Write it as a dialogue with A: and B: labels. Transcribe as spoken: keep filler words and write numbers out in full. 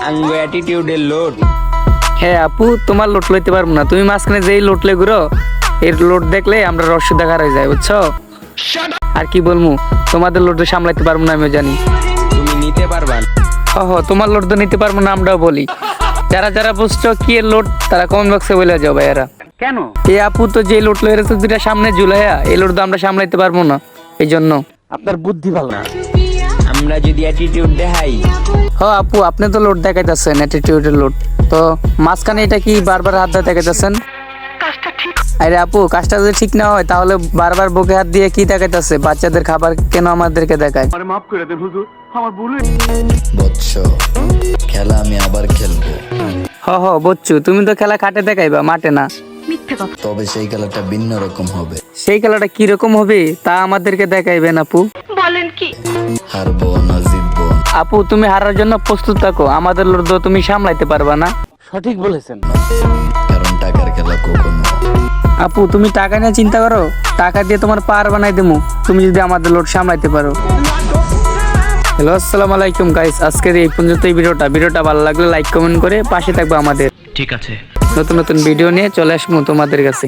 A: আঙ্গো অ্যাটিটিউডের load.
B: হ্যাঁ আপু, তোমার লোট লইতে পারবো না। তুমি মাঝখানে যেই লোট লে ঘুরো, এর লোট দেখলে আমরা রস্য দেখার হয়ে যায়, বুঝছো? আর কি বলবো, তোমাদের লোট সামলাইতে পারবো না, আমিও জানি।
A: তুমি নিতে পারবা না।
B: ওহ, তোমার লোট তো নিতে পারবো না, আমরাও বলি। যারা যারা বুঝছো কি এর লোট, তারা কমেন্ট বক্সে বলে যাও ভাইয়ারা।
C: কেন?
B: এই আপু তো যে লোট লয়ে রেখেছে দুটা সামনে ঝুলাইয়া, এই লোট তো আমরা সামলাইতে পারবো না, এই জন্য।
C: আপনার বুদ্ধি ভালো না।
A: আমরা যদি অ্যাটিটিউড দেখাই,
B: হ আপু, আপনি তো লোড দেখাইতেছেন, অ্যাটিটিউডের লোড। তো মাঝখানে এটা কি বারবার হাত দিয়ে দেখাইতেছেন? আরে আপু, কাজটা যদি ঠিক না হয় তাহলে বারবার বুকে হাত দিয়ে কি দেখাইতেছে? বাচ্চাদের খাবার কেন আমাদেরকে দেখায়?
C: আরে মাফ করে দেন হুজুর, আমার ভুল হয়ে
D: বৎস, খেলা আমি আবার খেলবো,
B: হ হ বচ্চু, তুমি তো খেলা খাটে দেখাইবা, মাঠে না।
D: তবে সেই খেলাটা ভিন্ন রকম হবে।
B: সেই খেলাটা কি রকম হবে তা আমাদেরকে দেখাইবেন আপু।
D: হারবো না জিতবো
B: আপু, তুমি হারার জন্য প্রস্তুত থাকো, আমাদের লোড তো তুমি সামলাইতে পারবা না।
C: সঠিক বলেছেন।
D: কারণ টাকার খেলা কখনো।
B: আপু, তুমি টাকা নিয়ে চিন্তা করো, টাকা দিয়ে তোমার পার বানাই দেবো তুমি যদি আমাদের লোড সামলাইতে পারো। হ্যালো, আসসালামু আলাইকুম গাইস, আজকের এই পর্যন্ত এই ভিডিওটা ভিডিওটা ভালো লাগলে লাইক কমেন্ট করে পাশে থাকবে আমাদের।
E: ঠিক আছে।
B: নতুন নতুন ভিডিও নিয়ে চলে আসবো তোমাদের কাছে।